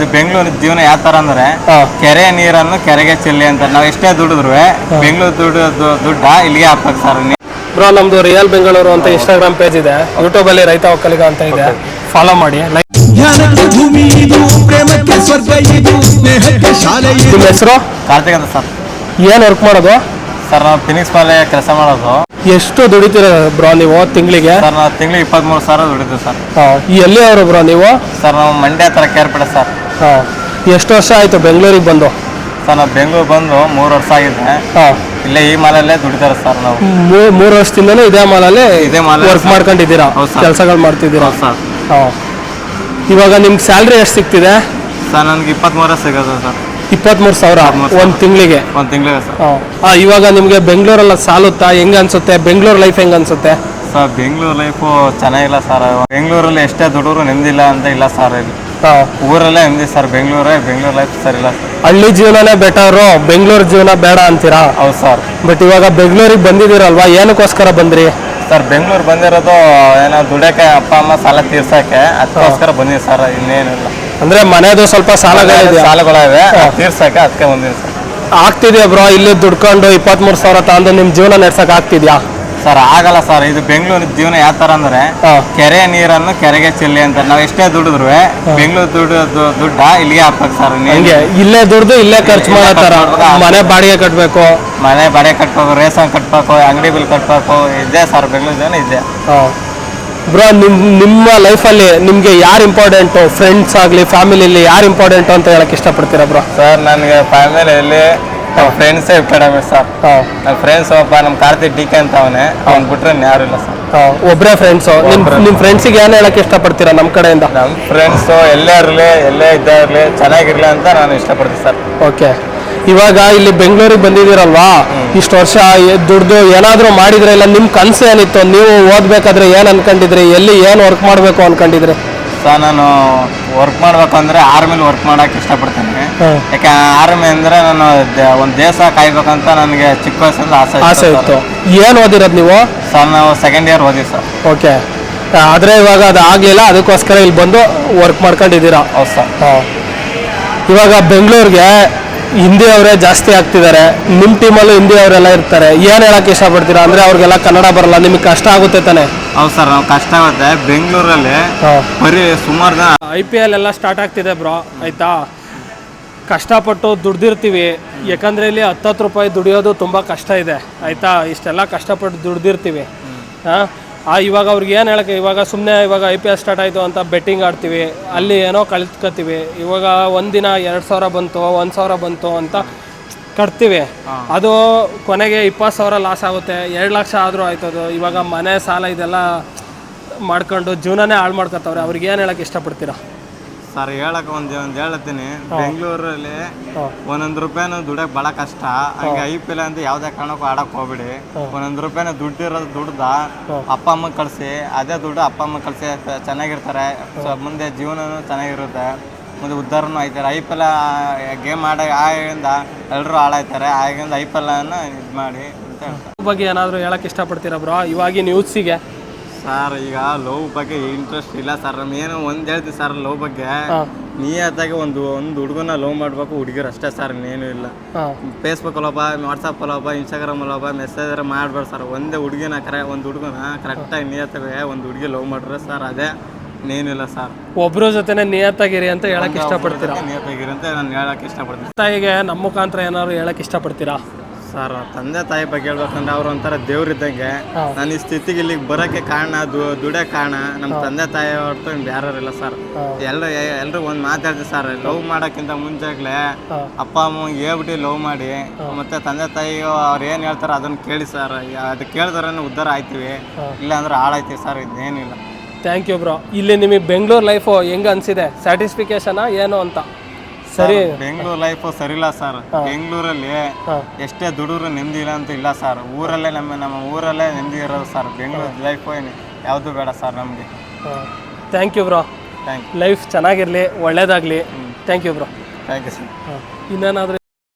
ಬೆಂಗಳೂರು ಜೀವನ ಯಾವ ತರ ಅಂದ್ರೆ ಕೆರೆ ನೀರನ್ನು ಕೆರೆಗೆ ಚೆಲ್ಲಿ ಅಂತ ನಾವು ಎಷ್ಟೇ ದುಡಿದ್ರು ಬೆಂಗಳೂರು ದುಡ್ಡ ಇಲ್ಲಿಗೆ ಹಾಕ್ಬೇಕು ಸರ್. ಬ್ರೋ ನಮ್ದು ರಿಯಲ್ ಬೆಂಗಳೂರು ಅಂತ ಇನ್ಸ್ಟಾಗ್ರಾಮ್ ಪೇಜ್ ಇದೆ, ಯೂಟ್ಯೂಬ್ ಅಲ್ಲಿ ರೈತ ಒಕ್ಕಲಿಗ ಅಂತ ಇದೆ, ಫಾಲೋ ಮಾಡಿ. ನಿಮ್ಮ ಹೆಸರು? ಕಾರ್ತಿಕ್ ಅಂತ ಸರ್. ಏನ್ ವರ್ಕ್ ಮಾಡೋದು ಸರ್? ನಾವು ಫಿನಿಕ್ಸ್ ಮೇಲೆ ಕೆಲಸ ಮಾಡೋದು. ಎಷ್ಟು ದುಡಿತೀರ ಬ್ರೋ ನೀವು ತಿಂಗಳಿಗೆ? ಸರ್ ನಾವು ತಿಂಗಳಿಗೆ 23,000 ದುಡಿತೀವಿ ಸರ್. ಎಲ್ಲಿ ಅವರು ಬ್ರೋ ನೀವು? ಸರ್ ನಾವು ಮಂಡ್ಯ ಹತ್ರ ಕೇರ್ಪೇಟೆ ಸರ್. ಎಷ್ಟು ವರ್ಷ ಆಯ್ತು ಬೆಂಗಳೂರಿಗೆ ಬಂದು? ಸರ್ ನಾವು ಬೆಂಗಳೂರು ಬಂದು 3 ವರ್ಷ ಆಗಿದೆ. ಇಲ್ಲೇ ಈ ಮಾಲಲ್ಲೇ ದುಡಿತಾರೆ ಸರ್. ನಾವು 3 ವರ್ಷದಿಂದಲೂ ಇದೇ ಮಾಲಲ್ಲಿ ವರ್ಕ್ ಮಾಡ್ಕೊಂಡಿದ್ದೀರಾ, ಕೆಲಸಗಳು ಮಾಡ್ತಿದ್ದೀರಾ ಸರ್? ಇವಾಗ ನಿಮ್ಗೆ ಸ್ಯಾಲ್ರಿ ಎಷ್ಟು ಸಿಗ್ತಿದೆ? ಸರ್ ನನಗೆ 23 ಸಿಗೋದು ಸರ್. 23,000 ಒಂದು ತಿಂಗಳಿಗೆ? ಒಂದು ತಿಂಗಳಿಗೆ ಸರ್. ಇವಾಗ ನಿಮಗೆ ಬೆಂಗಳೂರೆಲ್ಲ ಸಾಲುತ್ತಾ? ಹೆಂಗ ಅನ್ಸುತ್ತೆ ಬೆಂಗಳೂರು ಲೈಫ್? ಹೆಂಗ ಅನ್ಸುತ್ತೆ ಸರ್? ಬೆಂಗಳೂರು ಲೈಫು ಚೆನ್ನಾಗಿಲ್ಲ ಸರ್. ಬೆಂಗಳೂರಲ್ಲಿ ಎಷ್ಟೇ ದುಡಿದ್ರು ನೆಮ್ಮದಿಲ್ಲ ಅಂತ ಇಲ್ಲ ಸರ್. ಇಲ್ಲಿ ಊರಲ್ಲೇ ನೆಮ್ಮದಿ ಸರ್. ಬೆಂಗಳೂರು ಲೈಫ್ ಸರ್ ಇಲ್ಲ ಸರ್. ಹಳ್ಳಿ ಜೀವನನೇ ಬೆಟರು, ಬೆಂಗಳೂರು ಜೀವನ ಬೇಡ ಅಂತೀರಾ? ಹೌದು ಸರ್. ಬಟ್ ಇವಾಗ ಬೆಂಗಳೂರಿಗೆ ಬಂದಿದ್ದೀರಲ್ವಾ, ಏನಕ್ಕೋಸ್ಕರ ಬಂದ್ರಿ ಸರ್? ಬೆಂಗಳೂರು ಬಂದಿರೋದು ಏನೋ ದುಡಿಯೋಕೆ, ಅಪ್ಪ ಅಮ್ಮ ಸಾಲ ತೀರ್ಸೋಕೆ, ಅದಕ್ಕೋಸ್ಕರ ಬಂದಿದ್ದೀವಿ ಸರ್. ಇನ್ನೇನಿಲ್ಲ. ಅಂದ್ರೆ ಮನೆದು ಸ್ವಲ್ಪ ಸಾಲಗಳಿವೆ, ತೀರ್ಸೋಕೆ ಅದಕ್ಕೆ ಬಂದಿದ್ದೀವಿ ಸರ್. ಆಗ್ತಿದ್ಯಾ ಬ್ರೋ ಇಲ್ಲಿ ದುಡ್ಕೊಂಡು 23,000 ತಗೊಂಡು ನಿಮ್ ಜೀವನ ನಡ್ಸಕ್ ಆಗ್ತಿದ್ಯಾ? ಸರ್ ಆಗಲ್ಲ ಸರ್. ಇದು ಬೆಂಗಳೂರು ಜೀವನ ಯಾವ ತರ ಅಂದ್ರೆ ಕೆರೆ ನೀರನ್ನು ಕೆರೆಗೆ ಚೆಲ್ಲಿ ಅಂತ ನಾವು ಎಷ್ಟೇ ದುಡಿದ್ರು ಬೆಂಗಳೂರು ದುಡ್ಡ ಇಲ್ಲಿಗೆ ಹಾಕ್ಬೇಕು ಸರ್. ಇಲ್ಲೇ ದುಡ್ದು ಇಲ್ಲೇ ಖರ್ಚು ಮಾಡತ್ತಾರ. ಮನೆ ಬಾಡಿಗೆ ಕಟ್ಬೇಕು, ರೇಷನ್ ಕಟ್ಬೇಕು, ಅಂಗಡಿ ಬಿಲ್ ಕಟ್ಬೇಕು, ಇದೆ ಸರ್. ಬೆಂಗಳೂರು ಜೀವನ ಇದೆ. ಬ್ರೋ ನಿಮ್ಮ ಲೈಫಲ್ಲಿ ನಿಮ್ಗೆ ಯಾರು ಇಂಪಾರ್ಟೆಂಟು? ಫ್ರೆಂಡ್ಸ್ ಆಗಲಿ ಫ್ಯಾಮಿಲಿಯಲ್ಲಿ ಯಾರು ಇಂಪಾರ್ಟೆಂಟು ಅಂತ ಹೇಳಕ್ ಇಷ್ಟಪಡ್ತೀರಾ ಬ್ರೋ? ಸರ್ ನನಗೆ ಫ್ಯಾಮಿಲಿಯಲ್ಲಿ ಫ್ರೆಂಡ್ಸೇ ಕಡಿಮೆ ಸರ್. ನನ್ನ ಫ್ರೆಂಡ್ಸ್ ಒಬ್ಬ ನಮ್ಮ ಕಾರ್ತಿಕ್ ಡಿ ಕೆ ಅಂತ ಅವ್ನು ಬಿಟ್ರೆ ಯಾರು ಇಲ್ಲ ಸರ್. ಒಬ್ಬರೇ ಫ್ರೆಂಡ್ಸು? ನಿಮ್ಮ ಫ್ರೆಂಡ್ಸಿಗೆ ಏನು ಹೇಳಕ್ ಇಷ್ಟಪಡ್ತೀರಾ ನಮ್ಮ ಕಡೆಯಿಂದ? ನಮ್ಮ ಫ್ರೆಂಡ್ಸು ಎಲ್ಲೇ ಇರಲಿ, ಎಲ್ಲೇ ಇದ್ದೇ ಇರಲಿ, ಚೆನ್ನಾಗಿರ್ಲಿ ಅಂತ ನಾನು ಇಷ್ಟಪಡ್ತೀನಿ ಸರ್. ಓಕೆ. ಇವಾಗ ಇಲ್ಲಿ ಬೆಂಗಳೂರಿಗೆ ಬಂದಿದ್ದೀರಲ್ವಾ, ಇಷ್ಟು ವರ್ಷ ದುಡ್ದು ಏನಾದರೂ ಮಾಡಿದ್ರೆ ಇಲ್ಲ? ನಿಮ್ಮ ಕನಸು ಏನಿತ್ತು? ನೀವು ಓದ್ಬೇಕಾದ್ರೆ ಏನು ಅನ್ಕೊಂಡಿದ್ರಿ? ಎಲ್ಲಿ ಏನು ವರ್ಕ್ ಮಾಡಬೇಕು ಅನ್ಕೊಂಡಿದ್ರಿ? ಸರ್ ನಾನು ವರ್ಕ್ ಮಾಡ್ಬೇಕಂದ್ರೆ ಆರ್ಮಿಲಿ ವರ್ಕ್ ಮಾಡಕ್ಕೆ ಇಷ್ಟಪಡ್ತೀನಿ. ಯಾಕೆ ಆರ್ಮಿ ಅಂದರೆ ನಾನು ಒಂದು ದೇಶ ಕಾಯ್ಬೇಕಂತ ನನಗೆ ಚಿಕ್ಕ ವಯಸ್ಸಿಂದ ಆಸೆ ಇತ್ತು. ಏನು ಓದಿರೋದು ನೀವು? ಸರ್ ನಾವು 2nd ಇಯರ್ ಓದಿವಿ ಸರ್. ಓಕೆ. ಆದರೆ ಇವಾಗ ಅದು ಆಗಲಿಲ್ಲ, ಅದಕ್ಕೋಸ್ಕರ ಇಲ್ಲಿ ಬಂದು ವರ್ಕ್ ಮಾಡ್ಕೊಂಡಿದ್ದೀರಾ? ಹೌದು ಸರ್. ಇವಾಗ ಬೆಂಗಳೂರಿಗೆ ಹಿಂದಿ ಅವರೇ ಜಾಸ್ತಿ ಆಗ್ತಿದ್ದಾರೆ, ನಿಮ್ಮ ಟೀಮಲ್ಲೂ ಹಿಂದಿ ಅವರೆಲ್ಲ ಇರ್ತಾರೆ. ಏನು ಹೇಳಕ್ಕೆ ಇಷ್ಟಪಡ್ತೀರಾ? ಅಂದರೆ ಅವ್ರಿಗೆಲ್ಲ ಕನ್ನಡ ಬರಲ್ಲ, ನಿಮಗೆ ಕಷ್ಟ ಆಗುತ್ತೆ ತಾನೆ? ಹೌದು ಸರ್, ನಾವು ಕಷ್ಟ ಆಗುತ್ತೆ. ಬೆಂಗಳೂರಲ್ಲಿ ಬರೀ ಸುಮಾರು ಜನ IPL ಎಲ್ಲ ಸ್ಟಾರ್ಟ್ ಆಗ್ತಿದೆ ಬ್ರೋ, ಆಯಿತಾ? ಕಷ್ಟಪಟ್ಟು ದುಡ್ದಿರ್ತೀವಿ, ಯಾಕಂದರೆ ಇಲ್ಲಿ 10 ರೂಪಾಯಿ ದುಡಿಯೋದು ತುಂಬ ಕಷ್ಟ ಇದೆ, ಆಯಿತಾ? ಇಷ್ಟೆಲ್ಲ ಕಷ್ಟಪಟ್ಟು ದುಡ್ದಿರ್ತೀವಿ. ಇವಾಗ ಅವ್ರಿಗೆ ಏನು ಹೇಳಕ್ಕೆ, ಇವಾಗ ಸುಮ್ಮನೆ ಇವಾಗ IPL ಸ್ಟಾರ್ಟ್ ಆಯಿತು ಅಂತ ಬೆಟ್ಟಿಂಗ್ ಆಡ್ತೀವಿ, ಅಲ್ಲಿ ಏನೋ ಕಳ್ತ್ಕೊತೀವಿ. ಇವಾಗ ಒಂದಿನ 2,000 ಬಂತು, 1,000 ಬಂತು ಅಂತ ಕಟ್ತೀವಿ. ಅದು ಕೊನೆಗೆ 20,000 ಲಾಸ್ ಆಗುತ್ತೆ. 2 ಲಕ್ಷ ಆದರೂ ಆಯ್ತದು. ಇವಾಗ ಮನೆ ಸಾಲ ಇದೆಲ್ಲ ಮಾಡ್ಕೊಂಡು ಜೀವನನೇ ಹಾಳು ಮಾಡ್ಕೊತವ್ರೆ. ಅವ್ರಿಗೆ ಏನು ಹೇಳಕ್ಕೆ ಇಷ್ಟಪಡ್ತೀರಾ? ಸರ್ ಹೇಳಕ್ಕೆ ಒಂದು ಹೇಳ್ತೀನಿ. ಬೆಂಗಳೂರಲ್ಲಿ 1 ರೂಪಾಯಿನೂ ದುಡಿಯೋಕೆ ಭಾಳ ಕಷ್ಟ. ಹಂಗೆ IPL ಅಂತ ಯಾವುದೇ ಕಾರಣಕ್ಕೂ ಆಡಕ್ಕೆ ಹೋಗ್ಬಿಡಿ. 1 ರೂಪಾಯಿನ ದುಡ್ಡ ಅಪ್ಪ ಅಮ್ಮಗೆ ಕಳಿಸಿ, ಅದೇ ದುಡ್ಡು ಅಪ್ಪ ಅಮ್ಮಗೆ ಕಳಿಸಿ ಚೆನ್ನಾಗಿರ್ತಾರೆ. ಮುಂದೆ ಜೀವನನೂ ಚೆನ್ನಾಗಿರುತ್ತೆ, ಮುಂದೆ ಉದ್ಧಾರನೂ ಆಯ್ತಾರೆ. IPL ಗೇಮ್ ಆಗಿಂದ ಎಲ್ಲರೂ ಹಾಳಾಯ್ತಾರೆ. ಆಗಿಂದ IPL ಅನ್ನು ಇದು ಮಾಡಿ ಅಂತ ಹೇಳ್ತಾರೆ. ಬಗ್ಗೆ ಏನಾದರೂ ಹೇಳಕ್ಕೆ ಇಷ್ಟಪಡ್ತೀರಾ ಬ್ರೋ ಇವಾಗಿನ ಯೂತ್ಸಿಗೆ? ಸರ್ ಈಗ ಲವ್ ಬಗ್ಗೆ ಇಂಟ್ರೆಸ್ಟ್ ಇಲ್ಲ ಸರ್. ಏನು ಒಂದು ಹೇಳ್ತೀವಿ ಸರ್, ಲವ್ ಬಗ್ಗೆ ನಿಯತ್ತಾಗಿ ಒಂದು ಹುಡುಗನ ಲವ್ ಮಾಡಬೇಕು, ಹುಡುಗಿರು ಅಷ್ಟೇ ಸರ್, ಇನ್ನೇನು ಇಲ್ಲ. ಫೇಸ್ಬುಕ್ ಅಲ್ಲೋಪ, ವಾಟ್ಸಪ್ ಅಲ್ಲೋಪ, ಇನ್ಸ್ಟಾಗ್ರಾಮ್ ಅಲ್ಲೋಪ ಮೆಸೇಜ್ ಮಾಡಬೇಡ ಸರ್. ಒಂದೇ ಹುಡುಗಿನ ಒಂದು ಹುಡುಗನ ಕರೆಕ್ಟಾಗಿ ನಿಯತ್ತಾಗಿ ಒಂದು ಹುಡುಗಿ ಲವ್ ಮಾಡ್ರೆ ಸರ್, ಅದೇ ಇನ್ನೇನಿಲ್ಲ ಸರ್. ಒಬ್ಬರ ಜೊತೆನೇ ನಿಯತ್ತಾಗಿರಿ ಅಂತ ಹೇಳಕ್ಕೆ ಇಷ್ಟಪಡ್ತೀರಾ? ನಿಯತ್ತಾಗಿರಿ ಅಂತ ನಾನು ಹೇಳಕ್ಕೆ ಇಷ್ಟಪಡ್ತೀನಿ. ತಾಯಿಗೆ ನಮ್ಮ ಮುಖಾಂತರ ಏನಾದ್ರು ಹೇಳಕ್ಕೆ ಇಷ್ಟಪಡ್ತೀರಾ? ಸರ್ ತಂದೆ ತಾಯಿ ಬಗ್ಗೆ ಹೇಳ್ಬೇಕಂದ್ರೆ ಅವ್ರು ಒಂಥರ ದೇವ್ರಿದ್ದಂಗೆ. ನಾನು ಈ ಸ್ಥಿತಿಗೆ ಇಲ್ಲಿಗೆ ಬರೋಕ್ಕೆ ಕಾರಣ, ದುಡಿಯೋ ಕಾರಣ ನಮ್ಮ ತಂದೆ ತಾಯಿ ಹೊರತು ಯಾರು ಇಲ್ಲ ಸರ್. ಎಲ್ರು ಒಂದು ಮಾತಾಡ್ತೀವಿ ಸರ್, ಲವ್ ಮಾಡೋಕ್ಕಿಂತ ಮುಂಚೆಗ್ಲೇ ಅಪ್ಪ ಅಮ್ಮಗೆ ಹೇಳ್ಬಿಟ್ಟು ಲವ್ ಮಾಡಿ, ಮತ್ತೆ ತಂದೆ ತಾಯಿ ಅವ್ರು ಏನು ಹೇಳ್ತಾರೆ ಅದನ್ನು ಕೇಳಿ ಸರ್. ಅದು ಕೇಳಿದ್ರೆ ಉದ್ಧಾರ ಆಯ್ತೀವಿ, ಇಲ್ಲ ಅಂದ್ರೆ ಹಾಳಾಯ್ತೀವಿ ಸರ್. ಇದೇನಿಲ್ಲ. Thank you bro. ಇಲ್ಲಿ ನಿಮಗೆ ಬೆಂಗಳೂರು ಲೈಫು ಹೆಂಗೆ ಅನಿಸಿದೆ? ಸ್ಯಾಟಿಸ್ಫಿಕೇಶನಾ ಏನು ಅಂತ? ಸರಿ, ಬೆಂಗಳೂರು ಲೈಫು ಸರಿಯಿಲ್ಲ ಸರ್. ಬೆಂಗಳೂರಲ್ಲಿ ಎಷ್ಟೇ ದುಡಿದ್ರು ನೆಮ್ಮದಿ ಇಲ್ಲ ಅಂತ ಇಲ್ಲ ಸರ್. ಊರಲ್ಲೇ ನಮ್ಮ ಊರಲ್ಲೇ ನೆಮ್ಮದಿ ಇರೋದು ಸರ್. ಬೆಂಗಳೂರು ಲೈಫು ಯಾವುದು ಬೇಡ ಸರ್ ನಮಗೆ. Thank you bro. Thank you. Life ಚೆನ್ನಾಗಿರಲಿ, ಒಳ್ಳೇದಾಗಲಿ. Thank you bro. Thank you sir. ಇನ್ನೇನಾದರೂ